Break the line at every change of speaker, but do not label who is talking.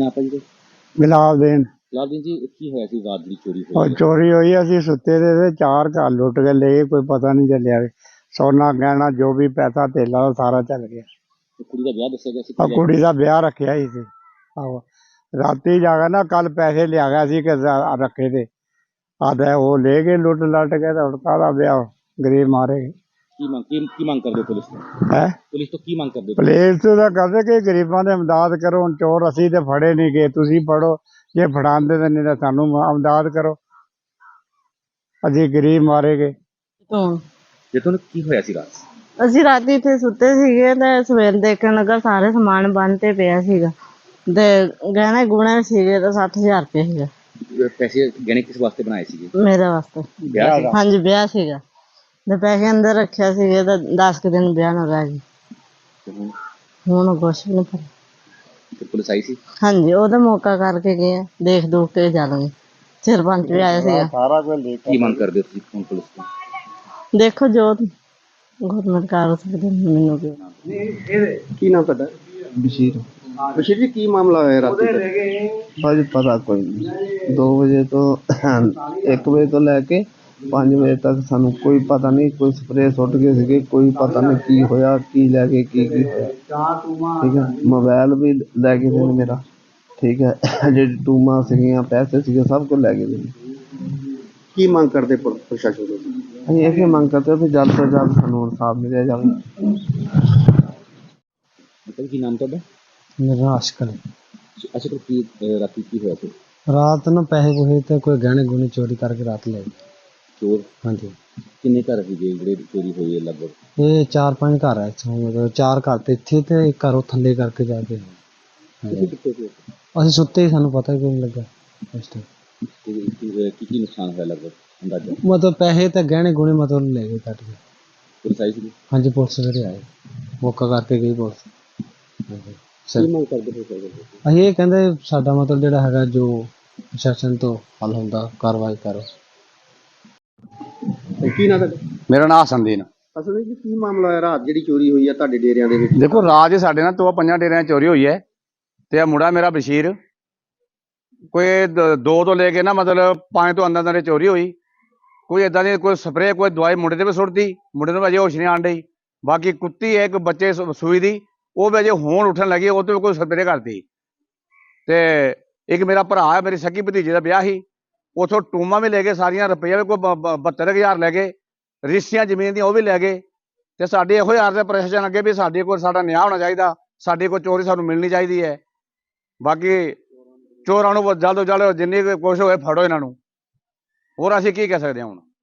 ਨਾ ਆਪਾਂ ਜੀ
ਗੁਲਾਬ ਦੇਣ
ਲਾਲਦੀਨ ਜੀ ਕੀ ਹੋਇਆ ਸੀ ਰਾਤ ਦੀ ਚੋਰੀ
और
ਹੋਈ
चोरी हुई असी सुते थे 4 घर लुट के ले गए, कोई पता नहीं चलिया। सोना गहना जो भी पैसा धेला सारा चल गया।
ਕੁੜੀ ਦਾ ਵਿਆਹ ਦੱਸਿਆ ਗਿਆ ਸੀ
और कुड़ी का ब्याह रखा ही सी। आहो राती जाके ना कल पैसे लिया गया सी कि रखे थे, आधे वो ले गए लुट लट के, तो काला ब्याह गरीब मारे
ਕੀ ਮੰਗ ਕਰਦੇ ਹੋ ਪੁਲਿਸ ਤੋਂ
है।
ਪੁਲਿਸ ਤੋਂ ਕੀ ਮੰਗ ਕਰਦੇ ਹੋ
पुलिस तो कहते कि गरीबों की इमदाद करो। हुण चोर असी तो फड़े नहीं गए, तुसी फड़ो, जे फड़ांदे तो नहीं तो सानू इमदाद करो, असी गरीब मारे गए।
ਜੇ ਤੁਹਾਨੂੰ ਕੀ ਹੋਇਆ ਸੀ ਰਾਤ
ਅਸੀਂ ਰਾਤੀ ਇੱਥੇ ਸੁੱਤੇ ਸੀਗੇ ਤੇ ਸਵੇਰ ਦੇਖਣ ਲੱਗਾ ਸਾਰੇ ਸਮਾਨ ਬੰਨ ਤੇ ਪਿਆ ਸੀਗਾ ਤੇ ਗਹਿਣੇ ਗੁਣੇ ਸੀਗੇ ਤਾਂ 60,000 ਰੁਪਏ ਸੀਗਾ।
ਪੈਸੇ ਗਹਿਣੇ ਕਿਸ ਵਾਸਤੇ ਬਣਾਏ ਸੀਗੇ
ਮੇਰੇ ਵਾਸਤੇ
ਵਿਆਹ ਸੀ?
ਹਾਂਜੀ ਵਿਆਹ ਸੀਗਾ ਤੇ ਪੈਸੇ ਅੰਦਰ ਰੱਖਿਆ ਸੀਗੇ ਤਾਂ 10 ਕੁ ਦਿਨ ਵਿਆਹ ਨੂੰ ਰਹਿ ਗਏ।
ਤੇ ਹੁਣ
ਹੁਣ ਕੁਛ ਵੀ ਨਹੀਂ ਪਤਾ।
ਤੇ ਪੁਲਿਸ ਆਈ ਸੀ?
ਹਾਂਜੀ ਉਹਦਾ ਮੌਕਾ ਕਰਕੇ ਗਏ ਆ, ਦੇਖ ਦੂਖ ਕੇ ਜਾਣਗੇ। ਸਰਪੰਚ ਵੀ ਆਇਆ ਸੀਗਾ।
सारा कुछ
ਕੀ ਮੰਗ ਕਰਦੇ ਹੋ ਤੁਸੀਂ ਹੁਣ ਪੁਲਿਸ ਤੋਂ?
ਦੇਖੋ ਜੋ ਗੌਰਮੈਂਟ ਕਰ ਸਕਦੇ ਮੈਨੂੰ ਕੀ
ਕੀ ਨਾਮ ਤੁਹਾਡਾ?
ਬਸ਼ੀਰ
ਬਸ਼ੀਰ ਜੀ ਕੀ ਮਾਮਲਾ ਹੋਇਆ ਰਾਤੀ ਦਾ?
ਭਾਜੀ ਪਤਾ ਕੋਈ ਨਹੀਂ। 2 ਵਜੇ ਤੋਂ 1 ਵਜੇ ਤੋਂ ਲੈ ਕੇ 5 ਵਜੇ ਤੱਕ ਸਾਨੂੰ ਕੋਈ ਪਤਾ ਨਹੀਂ। ਕੋਈ ਸਪਰੇਅ ਸੁੱਟ ਗਏ ਸੀਗੇ, ਕੋਈ ਪਤਾ ਨਹੀਂ ਕੀ ਹੋਇਆ, ਕੀ ਲੈ ਕੇ ਕੀ ਹੋਇਆ। ਠੀਕ ਹੈ, ਮੋਬਾਈਲ ਵੀ ਲੈ ਗਏ ਨੇ ਮੇਰਾ। ਠੀਕ ਹੈ, ਜਿਹੜੀ ਟੂਮਾਂ ਸੀਗੀਆਂ, ਪੈਸੇ ਸੀਗੇ, ਸਭ ਕੁਝ ਲੈ ਗਏ ਨੇ।
ਕੀ ਮੰਗ ਕਰਦੇ ਪ੍ਰਸ਼ਾਸਨ ਤੋਂ?
ਅਸੀਂ ਇਹ ਮੰਗ ਕਰਦੇ ਹਾਂ ਕਿ ਜਲਦ ਤੋਂ ਜਲਦ ਸਾਨੂੰ ਇਨਸਾਫ ਮਿਲਿਆ ਜਾਵੇ।
ਮਤਲਬ ਕੀ ਨਾਮ ਤੁਹਾਡਾ?
ਮੇਰਾ ਆਸ਼ਕਲ
ਅੱਛਾ ਤੇ ਕੀ ਰਾਤੀ ਕੀ ਹੋਇਆ ਸੀ?
ਰਾਤ ਨੂੰ ਪੈਸੇ ਪੂਸੇ ਤੇ ਕੋਈ ਗਹਿਣੇ ਗੁਣੇ ਚੋਰੀ ਕਰਕੇ ਰਾਤ ਲੈ ਗਏ।
ਚੋਰ
ਹਾਂਜੀ,
ਕਿੰਨੇ ਘਰ ਸੀਗੇ ਜਿਹੜੇ ਚੋਰੀ ਹੋਈ ਹੈ ਲਗਭਗ?
ਇਹ 4-5 ਘਰ ਹੈ ਇੱਥੋਂ, ਮਤਲਬ 4 ਘਰ ਤੇ ਇੱਥੇ ਤੇ ਇੱਕ ਘਰ ਉਹ ਥੱਲੇ ਕਰਕੇ ਜਾ ਕੇ।
ਤੁਸੀਂ ਕਿੱਥੇ ਸੀ?
ਅਸੀਂ ਸੁੱਤੇ ਹੀ, ਸਾਨੂੰ ਪਤਾ ਹੀ ਕੋਈ ਨਹੀਂ ਲੱਗਾ ਉਸ ਟਾਈਮ।
ਕੀ ਨੁਕਸਾਨ ਹੋਇਆ ਲਗਭਗ ਅੰਦਾਜ਼ਾ?
ਮਤਲਬ ਪੈਸੇ ਤੇ ਗਹਿਣੇ ਗੁਣੇ ਮਤਲਬ ਲੈ ਗਏ ਕੱਟ ਕੇ।
ਪੁਲਿਸ ਆਈ ਸੀ?
ਹਾਂਜੀ, ਪੁਲਿਸ ਜਿਹੜੇ ਆਏ ਮੌਕਾ ਕਰਕੇ ਗਈ ਪੁਲਿਸ। ਹਾਂਜੀ
ਕੀ ਮੰਗ ਕਰਦੇ ਹੋ ਸਰ?
ਅਸੀਂ ਇਹ ਕਹਿੰਦੇ ਸਾਡਾ ਮਤਲਬ ਜਿਹੜਾ ਹੈਗਾ ਜੋ ਪ੍ਰਸ਼ਾਸਨ ਤੋਂ ਹੱਲ ਹੁੰਦਾ ਕਾਰਵਾਈ ਕਰੋ।
ਕੀ ਨਾਮ ਤੁਹਾਡਾ?
मेरा नाम हसनदीन।
ਅਸਲ ਵਿੱਚ ਕੀ ਮਾਮਲਾ ਹੋਇਆ ਰਾਤ ਜਿਹੜੀ ਚੋਰੀ ਹੋਈ ਹੈ ਤੁਹਾਡੇ ਡੇਰਿਆਂ ਦੇ ਵਿੱਚ?
देखो रात साढ़े ना 5 डेरिया चोरी हुई है, तो यह मुंडा मेरा बशीर कोई 2 तो लेके ना मतलब 5 तो अंदर चोरी हुई। कोई इदा की कोई स्प्रे कोई दवाई मुंडे ते भी सुट्टी, मुंडे को अजे होश नहीं आन डई। बाकी कुत्ती है एक बच्चे सूई दी, वो भी अजे होन उठन लगी, वो तो कोई स्प्रे करती। ते एक मेरा भरा है, मेरी सगी भतीजे का ब्याह ही, उथों टूमा भी ले गए सारिया, रुपया भी कोई 72,000 लै गए, रिश्तियां जमीन दी वो भी लै गए। तो साड़ी यो यार प्रशासन अगे भी साड़ी को साडा न्याय होना चाहिए, साड़ी कोई चोरी सानू मिलनी चाहिए है। बाकी चोरां नूं जल्द तो जल्द जिन्नी कोशिश होए फड़ो इन्हां नूं, होर असीं की कह सकदे हां हुण।